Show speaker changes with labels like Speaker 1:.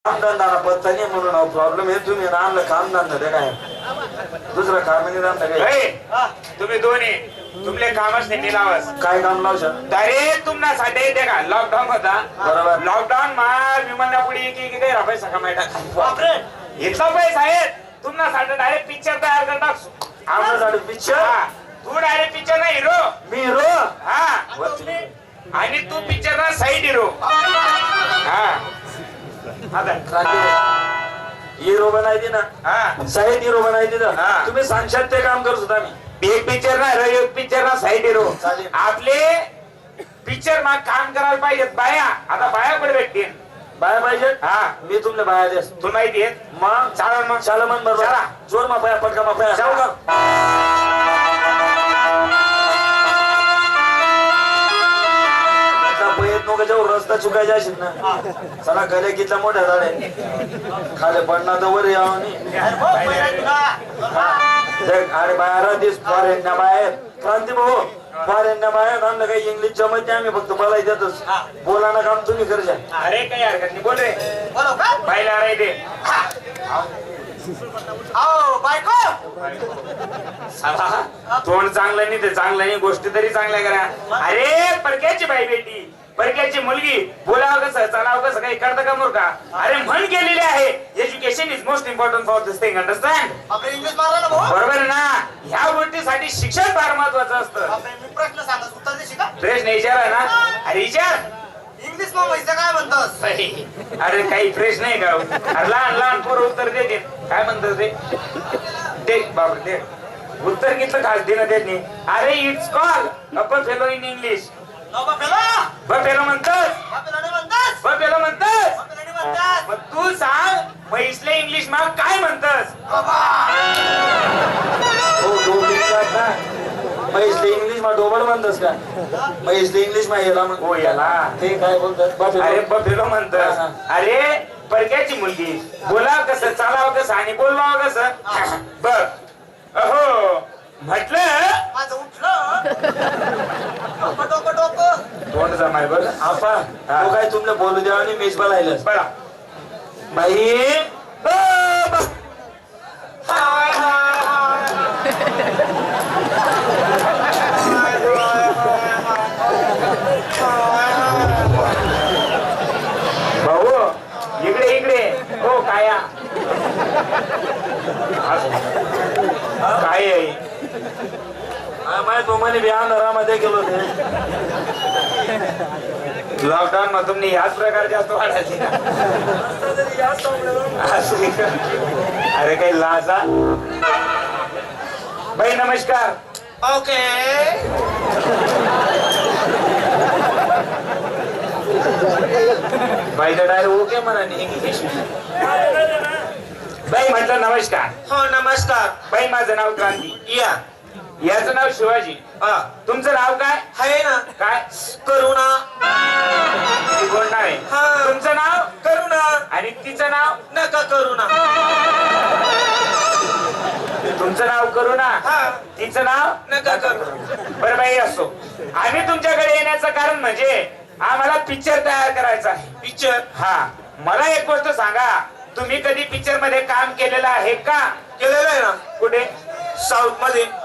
Speaker 1: कामधंदा पत्ता नाही म्हणून प्रॉब्लेम आहे. तुम्ही आणलं कामधंदा ते काय दुसरं काम नाही धंदा काय
Speaker 2: तुम्ही दोन्ही तुमले कामच नाही लावस.
Speaker 1: काय काम लावशाल
Speaker 2: अरे तुम्हाला साठी येते का लॉकडाऊन होता
Speaker 1: बरोबर.
Speaker 2: लॉकडाऊन मा विमाना पुढे की काही पैसा कमायला इतका पैसा आहे तुम्हाला साठी डायरेक्ट पिक्चर तयार कर टाकसो.
Speaker 1: आमच्यासाठी पिक्चर
Speaker 2: तू डायरेक्ट पिक्चर ना हिरो
Speaker 1: मी रो
Speaker 2: हा आणि तू पिक्चर ना साईड हिरो. हा
Speaker 1: हिरो बनायची ना
Speaker 2: हा
Speaker 1: साईड हिरो बनायची ना
Speaker 2: हा.
Speaker 1: तुम्ही सांगशाल ते काम करू सुद्धा मी
Speaker 2: एक पिक्चर ना हिरो एक पिक्चर ना साईड हिरो.
Speaker 1: चालेल.
Speaker 2: आपले पिक्चर मा काम करायला पाहिजेत बाया. आता बाया कुठे भेटतील
Speaker 1: बाया पाहिजे
Speaker 2: हा
Speaker 1: मी तुमले बाया देस
Speaker 2: तुला माहिती आहे
Speaker 1: मग
Speaker 2: चालेल मग
Speaker 1: शाला मन बरोबर
Speaker 2: चला.
Speaker 1: जोर मा पाया पटका मा पाया
Speaker 2: जाऊ का
Speaker 1: नको जाऊ रस्ता चुकायचा असेल ना चला गले कितला मोठ्या झाडे खाली पडणार तर वर यावं अरे बाहेर दिस फॉरेन ना बाहेर क्रांती भाऊ फॉरेन ना बाहेर आमलं काही इंग्लिश जमत नाही आम्ही फक्त बोलाय देतच बोला ना काम तुम्ही करजा.
Speaker 2: अरे काही हरकत नाही बोल रे पाहिला रे ते तोंड चांगलं नाही ते चांगलं नाही गोष्टी तरी चांगल्या करा. अरे परक्याची बाई बेटी परक्याची मुलगी बोलावं कसं चालावं कसं काही करतं का मूर्खा. अरे म्हण केलेली आहे education is most important for this thing understand. बरोबर आहे ना. ह्या गोष्टीसाठी शिक्षण फार महत्वाचं असतं. प्रश्न विचारा ना. अरे विचार
Speaker 3: इंग्लिश मग पैसा काय म्हणतोस.
Speaker 2: अरे काही प्रश्न आहे का अरे लहान लहान पोरं उत्तर देते काय म्हणतात ते बाबा ते उत्तर घेतलं खास देणं देत नाही. अरे it's call upper fellow in English. Buffalo म्हणतोस बफेलो म्हणतोस मग तू सांग म्हैसले इंग्लिश मग काय म्हणतोस.
Speaker 1: म्हैसले इंग्लिश मा डोबल म्हणतस का म्हैसले इंग्लिश मा याला
Speaker 2: हो याला
Speaker 1: ते काय बोलतात
Speaker 2: अरे बफेलो म्हणतोस. अरे परक्याची मुलगी बोलावं कसं चालावं कसं आणि बोलवावं कसं बघ अहो म्हटलं
Speaker 3: माझं उठलं डोकं डोकं
Speaker 2: तोंड जमाय बघ
Speaker 1: आपा तो काय तुमले बोलू द्यावा आणि मीच बोलायलाच
Speaker 2: बळा
Speaker 1: बाई
Speaker 2: भाऊ इकडे इकडे हो काया काय आहे
Speaker 1: माहित तुम्हाला बिहान घरामध्ये गेलो ते
Speaker 2: लॉकडाऊन मध्ये तुम्ही ह्याच प्रकार जास्त वाढायचे का? अरे काही लाजा बाई नमस्कार.
Speaker 3: ओके
Speaker 2: बाईचा डायरेक्ट ओके म्हणा इंग्लिश. बाई म्हटलं नमस्कार.
Speaker 3: हो नमस्कार
Speaker 2: बाई माझं नाव क्रांती
Speaker 3: या
Speaker 2: याचं नाव शिवाजी. तुमचं नाव काय
Speaker 3: आहे ना
Speaker 2: काय
Speaker 3: करुणा
Speaker 2: कोण नाव आहे
Speaker 3: हा.
Speaker 2: तुमचं नाव
Speaker 3: करुणा
Speaker 2: आणि तिचं नाव
Speaker 3: नका करुणा
Speaker 2: तुमचं नाव करू ना
Speaker 3: हा
Speaker 2: तिचं नाव
Speaker 3: नका करुणा.
Speaker 2: बरं बाई असो. आम्ही तुमच्याकडे येण्याचं कारण म्हणजे आम्हाला पिक्चर तयार करायचा आहे.
Speaker 3: पिक्चर
Speaker 2: हा मला एक गोष्ट सांगा तुम्ही कधी पिक्चर मध्ये काम केलेलं आहे का.
Speaker 3: केलेलं आहे ना
Speaker 2: कुठे
Speaker 3: साऊथ मध्ये